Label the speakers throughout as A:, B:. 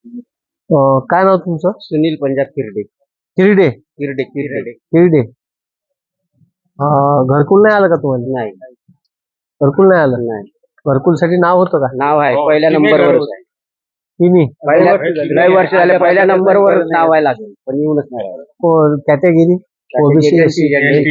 A: काय नाव तुमचं?
B: सुनील पंजाब किरडे.
A: किरडे.
B: किरडे किरडे
A: किरडे. घरकुल नाही आलं का तुम्हाला?
B: नाही
A: घरकुल नाही आलं?
B: नाही
A: घरकुल साठी नाव होतं का?
B: नाव आहे पहिल्या नंबरवर आहे.
A: तिन्ही
B: लय वर्ष झाले पहिल्या नंबरवर नाव आहे लागेल पण येऊनच नाही राहिलं.
A: कॅटेगरी ओबीसी एनटी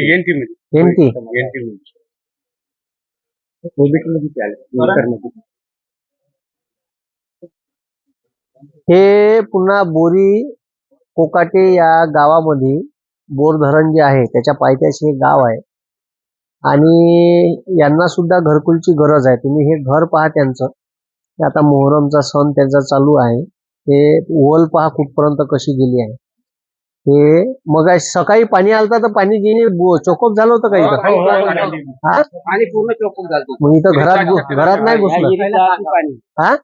A: हे पुन्हा बोरी कोकाटे या गावामध्ये बोर धरण जे आहे त्याच्या पायथ्याशी एक गाव आहे आणि यांना सुद्धा घरकुलची गरज आहे. तुम्ही हे घर पहा त्यांचं. आता मोहरमचा सण त्यांचा चालू आहे. हे ओल पहा कुठपर्यंत कशी गेली आहे. हे मग सकाळी पाणी आलं तर पाणी गेली चोकअप झालं होतं का इथं? हा
B: आणि पूर्ण चोकून झालं.
A: मग इथं घरात नाही घुसलं? हा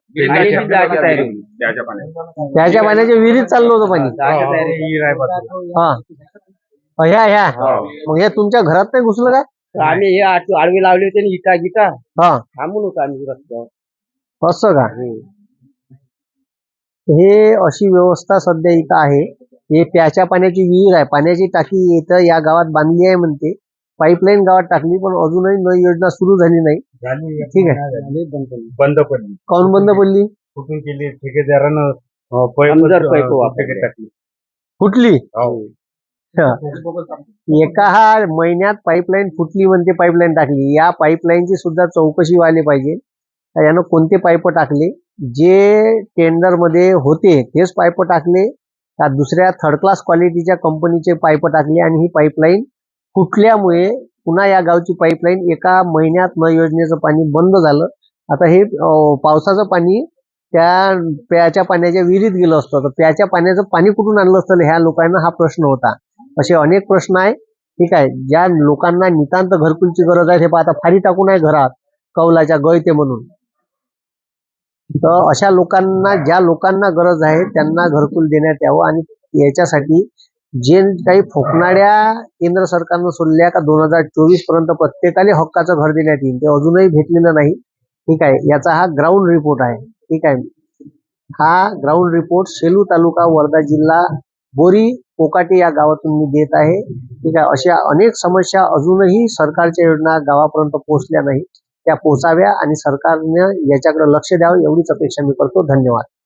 A: त्याच्या पाण्याच्या विहिरीत चाललं होतं पाणी. हा ह्या मग हे तुमच्या घरात नाही घुसलं का?
B: आम्ही हे आडवी लावली होती ना इटा गिटा
A: हा
B: थांबून होतो आम्ही रस्त्यावर.
A: असं का? हे अशी व्यवस्था सध्या इथं आहे. हे प्याच्या पाण्याची विहीर आहे. पाण्याची टाकी इथं या गावात बांधली आहे म्हणते. पाईपलाईन गावात टाकली पण अजूनही नळ योजना सुरू झाली नाही. ठीक आहे.
C: बंद पडली.
A: काऊन बंद पडली?
C: कुठून केली ठेकेदारानं
A: फुटली. एका महिन्यात पाईपलाईन फुटली म्हणते. पाईपलाईन टाकली. या पाईपलाईनची सुद्धा चौकशी व्हायला पाहिजे. यानं कोणते पाईप टाकले? जे टेंडर मध्ये होते तेच पाईप टाकले का दुसऱ्या थर्ड क्लास क्वालिटीच्या कंपनीचे पाईप टाकले आणि ही पाईपलाईन फुटल्यामुळे पुन्हा या गावची पाईपलाईन एका महिन्यात न योजनेचं पाणी बंद झालं. आता हे पावसाचं पाणी त्या प्याच्या पाण्याच्या विहिरीत गेलं असतं तर प्याच्या पाण्याचं पाणी कुठून आणलं असतं ह्या लोकांना हा प्रश्न होता. असे अनेक प्रश्न आहे. ठीक आहे. ज्या लोकांना नितांत घरकुलची गरज आहे ते आता फारी टाकून आहे घरात कौलाच्या गळते म्हणून. तर अशा लोकांना ज्या लोकांना गरज आहे त्यांना घरकुल देण्यात यावं आणि याच्यासाठी जे काही फोकणाऱ्या केंद्र सरकारनं सोडल्या का 2024 पर्यंत प्रत्येकाला हक्काचं घर देण्यात येईल ते अजूनही भेटलेलं नाही. ठीक आहे. याचा हा ग्राउंड रिपोर्ट आहे. ठीक आहे. हा ग्राउंड रिपोर्ट सेलू तालुका वर्धा जिल्हा बोरी कोकाटे या गावातून मी देत आहे. ठीक आहे. अशा अनेक समस्या अजूनही सरकारच्या योजना गावापर्यंत पोहोचल्या नाही. त्या पोहोचाव्या आणि सरकारने याच्याकडे लक्ष द्यावं एवढीच अपेक्षा मी करतो. धन्यवाद.